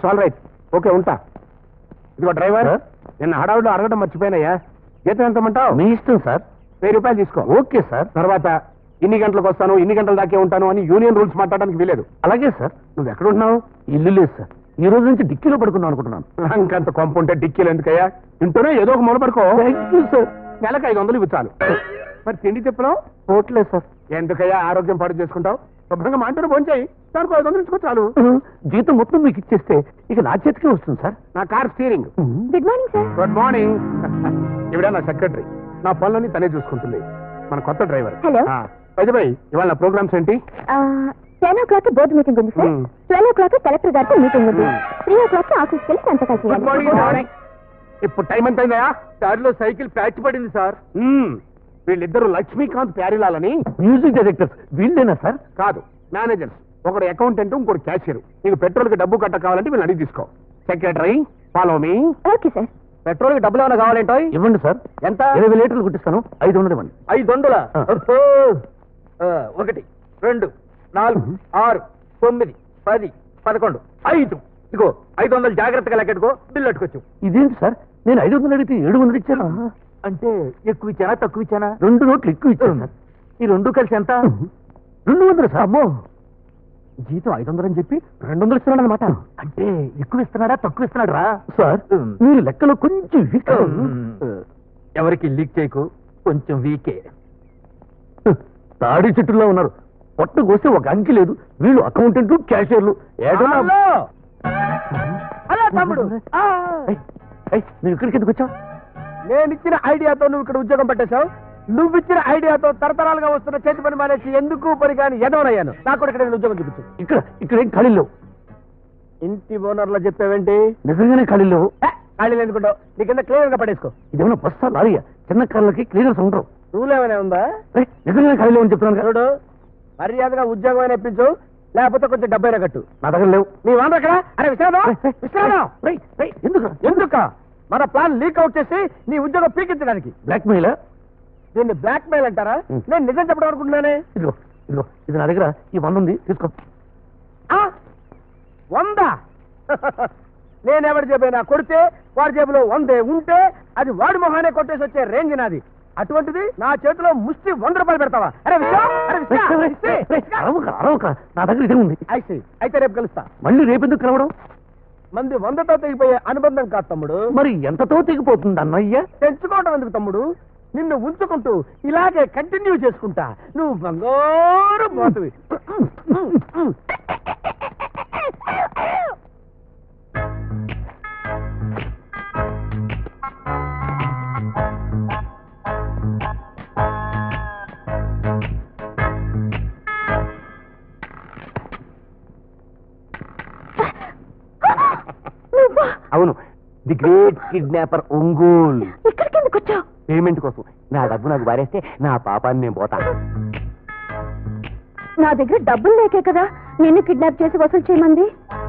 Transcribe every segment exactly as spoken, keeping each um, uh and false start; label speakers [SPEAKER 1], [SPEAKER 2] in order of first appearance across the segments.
[SPEAKER 1] It's all right. Okay ఉంటా. ఇదిగో driver, నిన్న హడావుడిలో అడగడం మర్చిపోయినాయా, జీతం ఎంతమంటావు?
[SPEAKER 2] మీ ఇష్టం సార్.
[SPEAKER 1] వెయ్యి రూపాయలు తీసుకో.
[SPEAKER 2] Okay sir.
[SPEAKER 1] తర్వాత ఇన్ని గంటలకు వస్తాను, ఇన్ని గంటల దాకే ఉంటాను అని యూనియన్ రూల్స్ మాట్లాడడానికి వీలేదు.
[SPEAKER 2] అలాగే సార్.
[SPEAKER 1] నువ్వు ఎక్కడ ఉంటున్నావు?
[SPEAKER 2] ఇల్లు లేదు సార్, ఈ రోజు నుంచి డిక్కీలో పడుకున్నాను అనుకుంటున్నాను.
[SPEAKER 1] ఇంకంత కొంప ఉంటే డిక్కీలు ఎందుకయ్యా, ఇంటూనే ఏదో ఒక మూల పడుకో.
[SPEAKER 2] సార్.
[SPEAKER 1] నెలకు ఐదు వందలు ఇవ్వాలి. మరి తిండి తిప్పడం
[SPEAKER 2] పోట్లేదు సార్.
[SPEAKER 1] ఎందుకయ్యా ఆరోగ్యం పాడు చేసుకుంటావు? శుభ్రంగా మాంటూరు ఫోన్ చేయి, దానికి ఐదు వందలు ఇచ్చుకో చాలు.
[SPEAKER 2] జీతం మొత్తం మీకు ఇచ్చేస్తే ఇక నా చేతికే వస్తుంది సార్.
[SPEAKER 1] నా car steering.
[SPEAKER 3] Good morning sir.
[SPEAKER 1] Good morning. ఇవిడ నా సెక్రటరీ, నా పనులన్నీ తనే చూసుకుంటుంది. మన కొత్త డ్రైవర్.
[SPEAKER 3] హలో.
[SPEAKER 1] వైద్యబాయ్, ఇవాళ నా ప్రోగ్రామ్స్ ఏంటి?
[SPEAKER 3] Ten o'clock board meeting ఉంది sir. Twelve o'clock collector గారితో మీటింగ్ ఉంది. త్రీ ఓ క్లాక్ ఆఫీస్కి వెళ్ళి సంతకాలు
[SPEAKER 1] గుడ్ మార్నింగ్.
[SPEAKER 3] చేయాలి.
[SPEAKER 1] ఇప్పుడు టైం ఎంత అయిందా?
[SPEAKER 2] దారిలో సైకిల్ ప్యాచ్ పడింది సార్.
[SPEAKER 1] వీళ్ళిద్దరు లక్ష్మీకాంత్ ప్యారిలాలని
[SPEAKER 2] మ్యూజిక్ డైరెక్టర్స్ వీళ్ళేనా సార్?
[SPEAKER 1] కాదు, మేనేజర్స్. ఒకడు అకౌంటెంట్, ఇంకోటి క్యాషియర్. నీకు పెట్రోల్ కి డబ్బు కట్ట కావాలంటే వీళ్ళు అడిగి తీసుకో. Secretary follow me.
[SPEAKER 3] Okay sir.
[SPEAKER 2] Petrol కి డబ్బులు ఏమైనా కావాలేంటో ఇవ్వండి సార్. ఎంత? ఇరవై లీటర్లు కుట్టిస్తాను, ఐదు వందలు ఇవ్వండి. ఐదు వందల ఒకటి రెండు నాలుగు ఆరు తొమ్మిది పది పదకొండు ఐదు. ఇదిగో ఐదు వందలు జాగ్రత్తగా లెక్కెట్టుకో, బిల్లు అట్టుకోవచ్చు. ఇదేంటి సార్, నేను ఐదు వందలు అడిగితే ఏడు వందలు ఇచ్చాను. అంటే ఎక్కువ ఇచ్చానా తక్కువ ఇచ్చానా? రెండు నోట్లు ఎక్కువ ఇచ్చాను సార్. ఈ రెండు కలిసి ఎంత? రెండు వందలు సార్. అమ్మో, జీతం ఐదు వందలు అని చెప్పి రెండు వందలు ఇస్తున్నాడు అనమాట. అంటే ఎక్కువ ఇస్తున్నాడా తక్కువ ఇస్తున్నాడు రా సార్? మీరు లెక్కలో కొంచెం వీక్. ఎవరికి లీక్ చేయకు, కొంచెం వీకే. తాడి చెట్టులో ఉన్నారు. పొట్ట కోస్తే ఒక అంకి లేదు. వీళ్ళు అకౌంటెంట్లు, క్యాషియర్లు.
[SPEAKER 1] తమ్ముడు,
[SPEAKER 2] నువ్వు ఇక్కడికి ఎందుకు వచ్చావు?
[SPEAKER 1] నేను ఇచ్చిన ఐడియాతో నువ్వు ఇక్కడ ఉద్యోగం పెట్టేశావు. నువ్వు ఇచ్చిన ఐడియాతో తరతరాలుగా వస్తున్న చేతి పని మానేసి ఎందుకు పని కానీ ఎదవనయ్యాను. నాకు కూడా ఇక్కడ ఉద్యోగం చూపించు.
[SPEAKER 2] ఇక్కడ ఇక్కడ ఏం ఖాళీ లేవు.
[SPEAKER 1] ఇంటి ఓనర్లో చెప్పావేంటి?
[SPEAKER 2] నిజంగానే ఖాళీ లేవు.
[SPEAKER 1] ఖాళీలు ఎందుకుంటావు? నీ కింద క్లియర్ గా పడేసుకో.
[SPEAKER 2] ఇదేమన్నా బస్సా లారీయా? చిన్న కార్లకి క్లీనర్స్ ఉండరు.
[SPEAKER 1] రూల్ ఏమైనా ఉందా?
[SPEAKER 2] నిజంగానే ఖాళీ లేవు అని చెప్తున్నాను.
[SPEAKER 1] చూడు, మర్యాదగా ఉద్యోగం అయినా ఇప్పించు, లేకపోతే కొంచెం డబ్బైనా కట్టు.
[SPEAKER 2] నా దగ్గర లేవు.
[SPEAKER 1] నీ వాండ్ర అక్కడ. అరే విశ్రాదం, విశ్రాదం.
[SPEAKER 2] ఎందుకు
[SPEAKER 1] ఎందుక మన ప్లాన్ లీక్ అవుట్ చేసి నీ ఉద్యోగం పీకించడానికి.
[SPEAKER 2] Blackmail.
[SPEAKER 1] దీన్ని బ్లాక్ మెయిల్ అంటారా? నేను నిజం చెప్పడం అనుకుంటున్నానే.
[SPEAKER 2] ఇదిగో ఇదిగో ఇది నా దగ్గర ఈ వంద ఉంది, తీసుకో.
[SPEAKER 1] వందా? నేనెవరి జేబైనా కొడితే వాడి జేబులో వందే ఉంటే అది వాడి మొహానే కొట్టేసి వచ్చే రేంజ్ నాది. అటువంటిది నా చేతిలో ముష్టి వంద రూపాయలు పెడతావా? అరే విశ్వ, అరే విశ్వ.
[SPEAKER 2] అరవక, నా దగ్గర ఇదే ఉంది.
[SPEAKER 1] ఐసి, అయితే రేపు కలుస్తా.
[SPEAKER 2] మళ్ళీ రేపు ఎందుకు కలవడం?
[SPEAKER 1] మంది వందతో తెగిపోయే అనుబంధం కాదు తమ్ముడు.
[SPEAKER 2] మరి ఎంతతో తెగిపోతుంది అన్నయ్య?
[SPEAKER 1] తెంచుకోవడం ఎందుకు తమ్ముడు? నిన్ను ఉంచుకుంటూ ఇలాగే కంటిన్యూ చేసుకుంటా. నువ్వు బంగారు పోతువి.
[SPEAKER 2] అవును, ది గ్రేట్ కిడ్నాపర్ ఒంగోల్.
[SPEAKER 3] ఇక్కడికి ఎందుకు వచ్చావు?
[SPEAKER 2] పేమెంట్ కోసం. నా డబ్బు నాకు వారేస్తే నా పాపాన్ని నేను పోతాను.
[SPEAKER 3] నా దగ్గర డబ్బులు లేకే కదా నిన్ను కిడ్నాప్ చేసి వసూలు చేయమంది.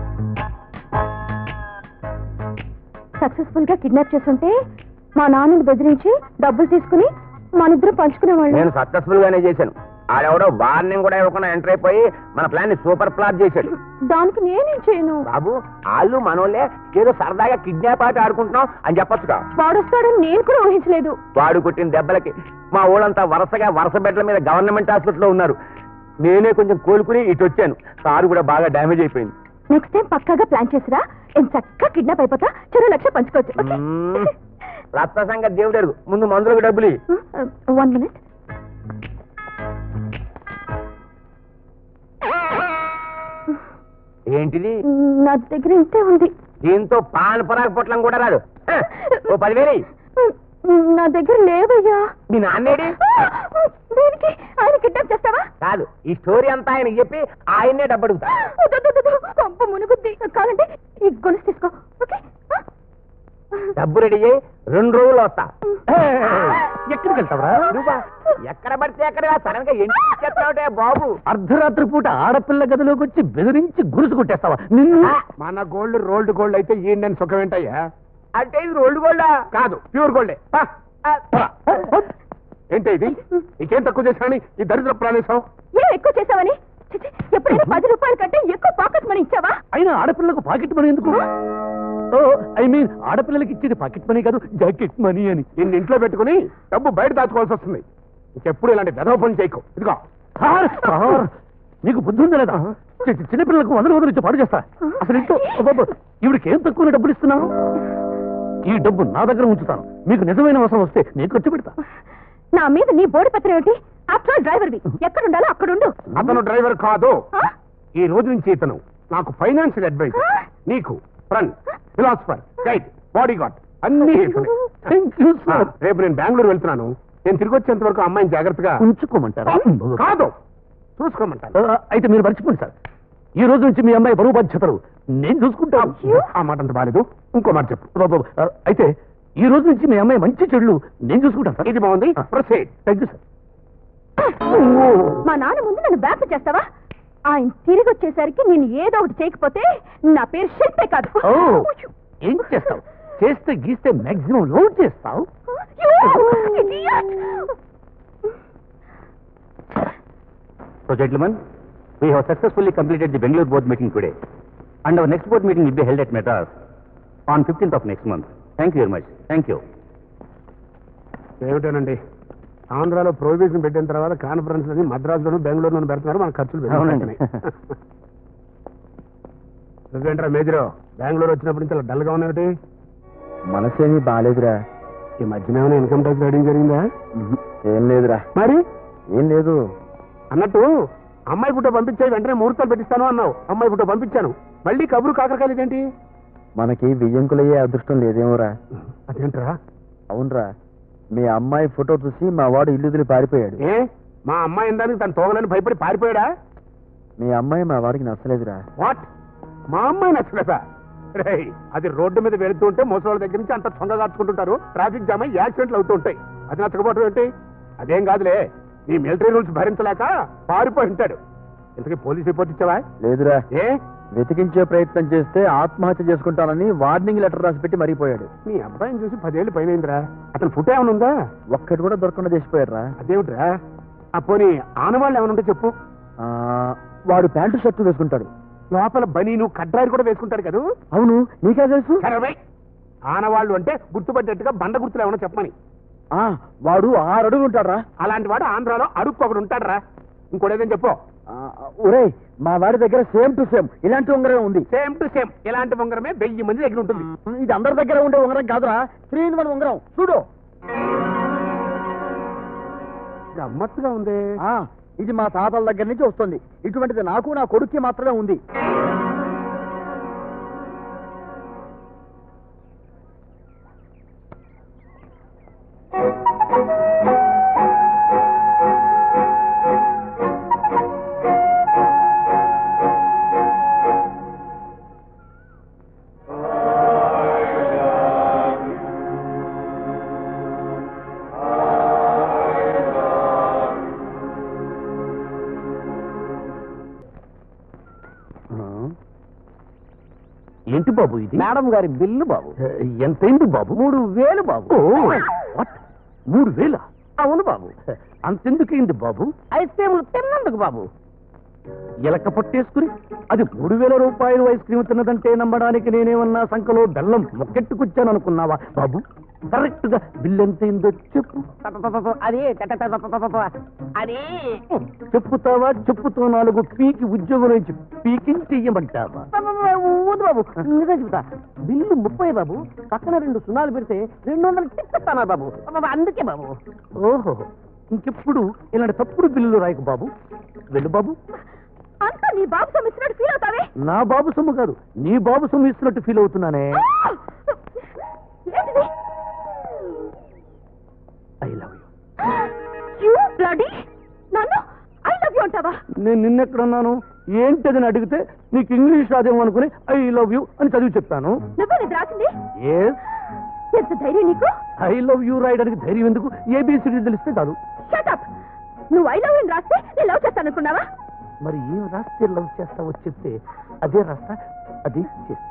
[SPEAKER 3] సక్సెస్ఫుల్ గా కిడ్నాప్ చేస్తుంటే మా నాన్నని బెదిరించి డబ్బులు తీసుకుని మనిద్దరం పంచుకునేవాళ్ళు.
[SPEAKER 1] నేను సక్సెస్ఫుల్ గానే చేశాను. ఆడెవడో వార్నింగ్ కూడా ఇవ్వకుండా ఎంటర్ అయిపోయి మన ప్లాన్ ని సూపర్ ప్లాట్ చేశాడు.
[SPEAKER 3] దానికి నేనేం చేయను
[SPEAKER 1] బాబు. వాళ్ళు మనోళ్ళే ఏదో సరదాగా కిడ్నాప్ ఆట ఆడుకుంటున్నాం అని చెప్పొచ్చుగా.
[SPEAKER 3] వాడొస్తాడని నేను కూడా ఊహించలేదు.
[SPEAKER 1] వాడు కొట్టిన దెబ్బలకి మా ఊళ్ళంతా వరుసగా వరుస బెడ్ల మీద గవర్నమెంట్ హాస్పిటల్లో ఉన్నారు. నేనే కొంచెం కోలుకుని ఇటు వచ్చాను. కారు కూడా బాగా డ్యామేజ్ అయిపోయింది.
[SPEAKER 3] నెక్స్ట్ టైం పక్కాగా ప్లాన్ చేసిరా. ఎంత చక్కగా కిడ్నాప్ అయిపోతా చెరో లక్ష పంచుకోవచ్చు.
[SPEAKER 1] రక్త సంగతి దేవుడు అడుగు, ముందు మందులకు డబ్బులు.
[SPEAKER 3] One minute.
[SPEAKER 1] ఏంటిది?
[SPEAKER 3] నా దగ్గర ఇంతే ఉంది.
[SPEAKER 1] దీంతో పాన్ పరాగ పొట్లం కూడా రాదు. ఓ పదివేలు.
[SPEAKER 3] నా దగ్గర లేవయ్యా.
[SPEAKER 1] మీ నాన్నేడి?
[SPEAKER 3] దేనికి? ఆయన కిడ్నాప్ చేస్తావా?
[SPEAKER 1] కాదు, ఈ స్టోరీ అంతా ఆయనకి చెప్పి ఆయన్నే డబ్బు అడుగుతా.
[SPEAKER 3] పంప మునుగుద్ది. కావాలంటే ఈ గొలుసు తీసుకో. ఓకే,
[SPEAKER 1] డబ్బు రెడీ అయ్యి రెండు రోజులు వస్తా.
[SPEAKER 2] ఎక్కడికి వెళ్తావరా?
[SPEAKER 1] ఎక్కడ పడితే ఎక్కడ సడన్ గా ఎంటి చెప్తావుటే బాబు.
[SPEAKER 2] అర్ధరాత్రి పూట ఆడపిల్ల గదిలోకి వచ్చి బెదిరించి గురుసు కొట్టేస్తావా నిన్ను?
[SPEAKER 1] మన గోల్డ్ రోల్డ్ గోల్డ్ అయితే ఏంటని సుఖం ఏంటయ్యా? అంటే ఇది రోల్డ్ గోల్డా? కాదు, ప్యూర్ గోల్డే. ఏంటి ఇది? నీకేం తక్కువ చేశాని ఈ దరిద్ర ప్రాణేశం?
[SPEAKER 3] ఏం ఎక్కువ చేసావని? చిచి, ఎప్పుడైనా పది రూపాయల కంటే ఎక్కువ పాకెట్ మనీ ఇచ్చావా?
[SPEAKER 2] అయినా ఆడపిల్లలకు పాకెట్ మనీ ఎందుకు? ఓ ఐ మీన్ ఆడపిల్లలకి ఇచ్చేది పాకెట్ మనీ కాదు, జాకెట్ మనీ అని.
[SPEAKER 1] నిన్ను ఇంట్లో పెట్టుకుని డబ్బు బయట దాచుకోవాల్సి వస్తుంది. ఇంకెప్పుడు ఇలాంటి వెధవ పని చేయకు. ఇదిగో
[SPEAKER 2] సార్, సార్, నీకు బుద్ధి ఉందా లేదా? చి- చి- చిన్నపిల్లలకు వందల వందలు ఇచ్చి పాడు చేస్తా. అసలు ఇంట్లో ఇవిడికి ఏం తక్కువ డబ్బులు ఇస్తున్నాను? ఈ డబ్బు నా దగ్గర ఉంచుతాను. మీకు నిజమైన అవసరం వస్తే నేను ఖర్చు పెడతా.
[SPEAKER 3] నా మీద నీ బోడి పత్రం ఏమిటి? ఆఫ్టర్ డ్రైవర్వి, ఎక్కడుండాలో అక్కడుండు.
[SPEAKER 1] అతను డ్రైవర్ కాదు.
[SPEAKER 3] ఆ?
[SPEAKER 1] ఈ రోజు నుంచి ఇతను నాకు ఫైనాన్షియల్ అడ్వైజ్, నీకు friend, philosopher, guide, bodyguard అన్ని ఇతనే.
[SPEAKER 2] థ్యాంక్ యూ
[SPEAKER 1] ఆ,
[SPEAKER 2] సార్.
[SPEAKER 1] రేపు నేను బెంగళూరు వెళ్తున్నాను. నేను తిరిగి వచ్చేంత వరకు అమ్మాయిని జాగ్రత్తగా
[SPEAKER 2] ఉంచుకోమంటారా?
[SPEAKER 1] కాదు చూసుకోమంటాను.
[SPEAKER 2] ఆ, అయితే మీరు మర్చిపోండి సార్. ఈ రోజు నుంచి మీ అమ్మాయి బరువు బాధ్యతలు నేను చూసుకుంటాను.
[SPEAKER 1] ఆ మాట అంత బాలేదు. ఇంకో మాట చెప్పు.
[SPEAKER 2] బాబు, ఆ, అయితే ఈ రోజు నుంచి మీ అమ్మాయి మంచి చెడులు నేను చూసుకుంటాను సార్.
[SPEAKER 1] ఇది బాగుంది. ప్రొసీడ్.
[SPEAKER 2] Thank you sir.
[SPEAKER 3] మా నాన్న ముందు నన్ను బ్యాక్ చేస్తావా? ఆయన తిరిగి వచ్చేసరికి నేను ఏదో ఒకటి చేయకపోతే నా పేరు శిల్పే కాదు.
[SPEAKER 2] ఓ, ఏం చేస్తావు? చేస్తే గీస్తే మాక్సిమం లోడ్ చేస్తావు.
[SPEAKER 3] You idiot!
[SPEAKER 4] So, gentlemen, we have successfully completed the Bangalore board meeting today, and our next board meeting will be held at Madras on fifteenth of next month. Thank you very much. Thank you.
[SPEAKER 1] ఏమిటోనండి, ఆంధ్రాలో prohibition పెట్టిన తర్వాత conference అని మద్రాసులోను బెంగళూరులోను పెడుతున్నారు. మన ఖర్చులు
[SPEAKER 4] అవునండి.
[SPEAKER 1] పెరుగుతున్నాయి. నువ్వేంట్రా మేజరు, బెంగళూరు వచ్చినప్పటి నుంచి అలా డల్గా ఉన్నావుటి?
[SPEAKER 5] మనసేమీ బాగాలేదురా.
[SPEAKER 1] ఈ మధ్యన ఏమైనా ఇన్కమ్ ట్యాక్స్ రైడింగ్ జరిగిందా?
[SPEAKER 5] ఏం లేదురా.
[SPEAKER 1] మరి
[SPEAKER 5] ఏం లేదు.
[SPEAKER 1] అన్నట్టు అమ్మాయి పుట్ట పంపించాయి, వెంటనే ముహూర్తాలు పెట్టిస్తాను అన్నావు. అమ్మాయి పుట్ట పంపించాను, మళ్ళీ కబురు కాకరకాయలు ఇదేంటి?
[SPEAKER 5] మనకి బియ్యంకులయ్యే అదృష్టం లేదేమోరా.
[SPEAKER 1] అదేంట్రా?
[SPEAKER 5] అవునరా, మీ అమ్మాయి ఫోటో చూసి మా వాడు ఇల్లు వదిలి పారిపోయాడు.
[SPEAKER 1] ఏ మా అమ్మాయి ఇందానికి తను తోగలని భయపడి పారిపోయాడా?
[SPEAKER 5] మీ అమ్మాయి మా వాడికి నచ్చలేదురా.
[SPEAKER 1] వాట్? మా అమ్మాయి నచ్చలేదా? రేయ్, అది రోడ్డు మీద వెళుతూ ఉంటే ముసలి దగ్గర నుంచి అంత తొంగ కాచుకుంటుంటారు, ట్రాఫిక్ జామ్ అయ్యి యాక్సిడెంట్లు అవుతూ ఉంటాయి. అది నచ్చకపోవడం ఏంటి? అదేం కాదులే, నీ మిలిటరీ రూల్స్ భరించలేక పారిపోయి ఉంటాడు. ఇంతకీ పోలీస్ రిపోర్ట్ ఇచ్చావా?
[SPEAKER 5] లేదురా.
[SPEAKER 1] ఏ
[SPEAKER 5] వెతికించే ప్రయత్నం చేస్తే ఆత్మహత్య చేసుకుంటానని వార్నింగ్ లెటర్ రాసి పెట్టి మరిగిపోయాడు.
[SPEAKER 1] నీ అబ్బాయిని చూసి పదేళ్ళు పైనైందిరా. అతను ఫుట్ ఏమైనా ఉందా?
[SPEAKER 5] ఒక్కటి కూడా దొరకకుండా చేసిపోయాడురా.
[SPEAKER 1] అదేమిట్రా? ఆ పోనీ ఆనవాళ్ళు ఏమైనా ఉంటే చెప్పు.
[SPEAKER 5] ఆ, వాడు ప్యాంటు షర్టు వేసుకుంటాడు.
[SPEAKER 1] లోపల బనీను కడ్రాయిలు కూడా వేసుకుంటాడు కదా?
[SPEAKER 5] అవును, నీకే తెలుసు?
[SPEAKER 1] సరే, ఆనవాళ్ళు అంటే గుర్తుపట్టేట్టుగా బండ గుర్తులు ఏమైనా చెప్పమని.
[SPEAKER 5] ఆ, వాడు ఆరు అడుగు ఉంటాడురా.
[SPEAKER 1] అలాంటి వాడు ఆంధ్రాలో అడుక్కు ఒకడు ఉంటాడురా. ఇంకోటేదని చెప్పు.
[SPEAKER 5] ఒరే, మా వాడి దగ్గర సేమ్ టు సేమ్ ఇలాంటి ఉంగరం ఉంది.
[SPEAKER 1] సేమ్ టు సేమ్ ఇలాంటి ఉంగరమే వెయ్యి మంది దగ్గర ఉంటుంది.
[SPEAKER 5] ఇది అందరి దగ్గర ఉండే ఉంగరం కాదురా, త్రీ ఇన్ వన్ ఉంగరం. చూడు.
[SPEAKER 1] గమ్మత్తుగా ఉంది.
[SPEAKER 5] ఆ, ఇది మా తాతల దగ్గర నుంచి వస్తుంది. ఇటువంటిది నాకు నా కొడుక్కి మాత్రమే ఉంది.
[SPEAKER 2] ఏంటి బాబు ఇది?
[SPEAKER 5] మేడం గారి బిల్లు బాబు.
[SPEAKER 2] ఎంతైంది బాబు?
[SPEAKER 5] మూడు వేలు బాబు.
[SPEAKER 2] ఓ, what? మూడు వేల?
[SPEAKER 5] అవును బాబు.
[SPEAKER 2] అంతెందుకైంది బాబు?
[SPEAKER 5] ఐస్ క్రీములు తిన్నందుకు బాబు.
[SPEAKER 2] ఎలక పట్టేసుకుని అది మూడు వేల రూపాయలు ఐస్ క్రీమ్ తిన్నదంటే నమ్మడానికి నేనేమన్నా సంఖలో బెల్లం మొక్కెట్టుకొచ్చాను అనుకున్నావా బాబు? కరెక్ట్ గా బిల్ ఎంతైందో చెప్పు.
[SPEAKER 5] అది అది
[SPEAKER 2] చెప్పుతావా? చెప్పుతో నాలుగు పీకి ఉద్యోగం నుంచి పీకింగ్ చెయ్యమంటావా?
[SPEAKER 5] ఊదు బాబు, నిజం చెబుతా. బిల్లు ముప్పై బాబు, పక్కన రెండు సున్నాలు పెడితే రెండు వందలు టిక్కిస్తానా బాబు. అందుకే బాబు.
[SPEAKER 2] ఓహో, ఇంకెప్పుడు ఇలాంటి తప్పుడు బిల్లులు రాయకు బాబు. వెళ్ళు బాబు.
[SPEAKER 3] అంతా నీ బాబు సొమ్మిచ్చినట్టు ఫీల్ అవుతావే.
[SPEAKER 2] నా బాబు సొమ్ము కాదు, నీ బాబు సొమ్ము ఇస్తున్నట్టు ఫీల్ అవుతున్నానే.
[SPEAKER 3] ఏంటిది?
[SPEAKER 2] I love you.
[SPEAKER 3] You bloody! నన్ను ఐ లవ్ యూ అంటావా?
[SPEAKER 2] నేను నిన్నెక్కడున్నాను ఏంటదని అడిగితే నీకు ఇంగ్లీష్ రాదేమో అనుకుని ఐ లవ్ యూ అని చదివి చెప్పాను.
[SPEAKER 3] నువ్వే ఇది రాసింది?
[SPEAKER 2] ఎస్,
[SPEAKER 3] ఎంత ధైర్యం నీకు?
[SPEAKER 2] ఐ లవ్ యూ రాయడానికి ధైర్యం ఎందుకు? ఏబిసిడి తెలిస్తే చాలు.
[SPEAKER 3] Shut up! నువ్వు ఐ లవ్ యూ రాస్తే నేను లవ్ చేస్తాను అనుకున్నావా?
[SPEAKER 2] మరి ఏం రాస్తే లవ్ చేస్తావో చెప్తే అదే రాస్తా, అదే చేస్తా.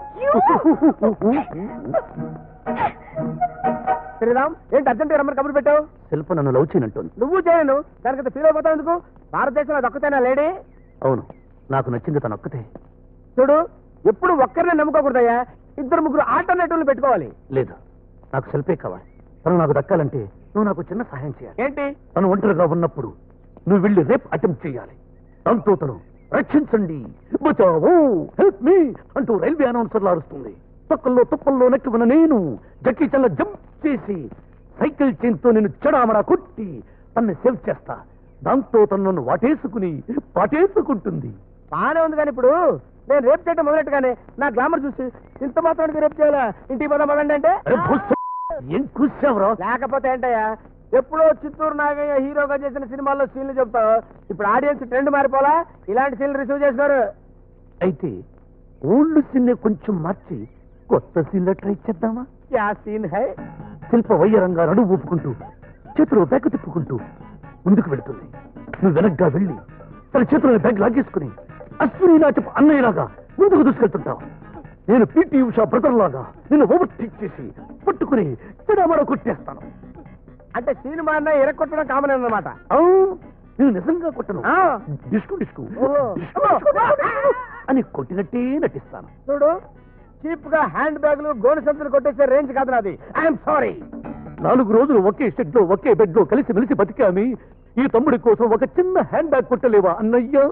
[SPEAKER 1] శ్రీరామ్, ఏంటి అర్జెంట్ రమ్మని కబురు పెట్టావు?
[SPEAKER 2] శిల్ప నన్ను లవ్ చేయనంటుంది.
[SPEAKER 1] నువ్వు చేయను, దానికంత ఫీల్ అయిపోతావు ఎందుకు? భారతదేశంలో దక్కుతానా లేడీ?
[SPEAKER 2] అవును, నాకు నచ్చింది తను ఒక్కతే.
[SPEAKER 1] చూడు, ఎప్పుడు ఒక్కరినే నమ్ముకోకూడదయ్యా, ఇద్దరు ముగ్గురు ఆల్టర్నేటివ్లు పెట్టుకోవాలి.
[SPEAKER 2] లేదు, నాకు సెల్ఫే కావాలి. తను నాకు దక్కాలంటే నువ్వు నాకు చిన్న సహాయం చేయాలి.
[SPEAKER 1] ఏంటి?
[SPEAKER 2] తను ఒంటరిగా ఉన్నప్పుడు నువ్వు వెళ్ళి రేప్ అటెంప్ట్ చేయాలి. దాంతో తను రక్షించండి, బచావో, హెల్ప్ మీ అంటూ రైల్వే అనౌన్సర్లు అరుస్తుంది. తొక్కల్లో తుప్పల్లో నెక్కి ఉన్న నేను జక్కీ చల్ల జంప్ చేసి సైకిల్ చైన్తో నేను చెడామడా కొట్టి తన్ని సేవ్ చేస్తా. దాంతో తను నన్ను వాటేసుకుని పాటేసుకుంటుంది.
[SPEAKER 1] బానే ఉంది, కానీ ఇప్పుడు నేను రేపు చేయటం మొదలెట్టుగానే నా గ్లామర్ చూసి ఇంత మాత్రం రేపు చేయాలా, ఇంటికి పోదాం పదండి అంటే
[SPEAKER 2] అరే భూస్వ, ఏం కూర్చావురా?
[SPEAKER 1] లేకపోతే ఏంటయ్యా, ఎప్పుడో చిత్తూరు నాగయ్య హీరోగా చేసిన సినిమాల్లో సీన్లు చెప్తావు, ఇప్పుడు ఆడియన్స్ ట్రెండ్ మారిపోలా, ఇలాంటి సీన్లు రిసీవ్ చేసినారు.
[SPEAKER 2] అయితే ఓల్డ్ సీన్ కొంచెం మార్చి కొత్త సీన్లో ట్రై చేద్దామా?
[SPEAKER 1] యా సీన్ హై.
[SPEAKER 2] శిల్ప వయ్యరంగా నడువు ఊపుకుంటూ చేతిలో బ్యాగ్ తిప్పుకుంటూ ముందుకు వెళుతుంది. నువ్వు వెనక్గా వెళ్ళి తన చేతిలో బ్యాగ్ లాగేసుకుని అశ్విని నాచపు అన్నయ్యలాగా ముందుకు దూసుకెళ్తుంటావు. నేను పీటీ ఉషా బ్రదర్ లాగా నిన్ను ఓవర్టేక్ చేసి పట్టుకుని చెడమడ కొట్టేస్తాను.
[SPEAKER 1] అంటే సినిమా అన్న ఎరగొట్టడం కామన్ అన్నమాట.
[SPEAKER 2] నేను నిజంగా కొట్టను,
[SPEAKER 1] ఆ.
[SPEAKER 2] డిస్కు డిస్కు
[SPEAKER 1] ఓహో.
[SPEAKER 2] డిస్కు డిస్కు డిస్కు అని కొట్టినట్టే నటిస్తాను.
[SPEAKER 1] చూడు, చీప్ గా హ్యాండ్ బ్యాగులు గోను సంతులు కొట్టేసే రేంజ్ కాదు నాది. I'm sorry.
[SPEAKER 2] నాలుగు రోజులు ఒకే షెడ్ లో ఒకే బెడ్ లో కలిసి మెలిసి బతికామి. ఈ తమ్ముడి కోసం ఒక చిన్న హ్యాండ్ బ్యాగ్ కొట్టలేవా అన్నయ్య?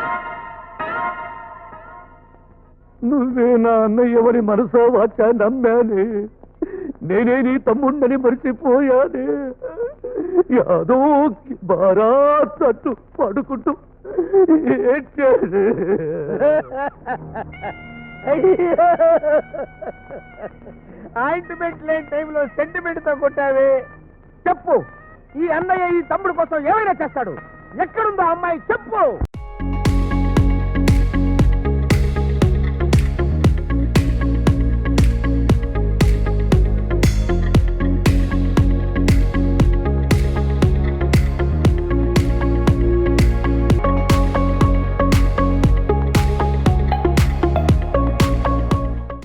[SPEAKER 2] నువ్వే నా అన్నయ్యవని మనసా వాచా నమ్మానే. నేనే నీ తమ్ముడిని మరిచిపోయానే. యాదో బారాత్ అంటూ పడుకుంటూ
[SPEAKER 1] ఆయింట్మెంట్ లేని టైంలో సెంటిమెంట్ తో కొట్టావే. చెప్పు, ఈ అన్నయ్య ఈ తమ్ముడు కోసం ఏమైనా చేస్తాడు. ఎక్కడుందో అమ్మాయి చెప్పు.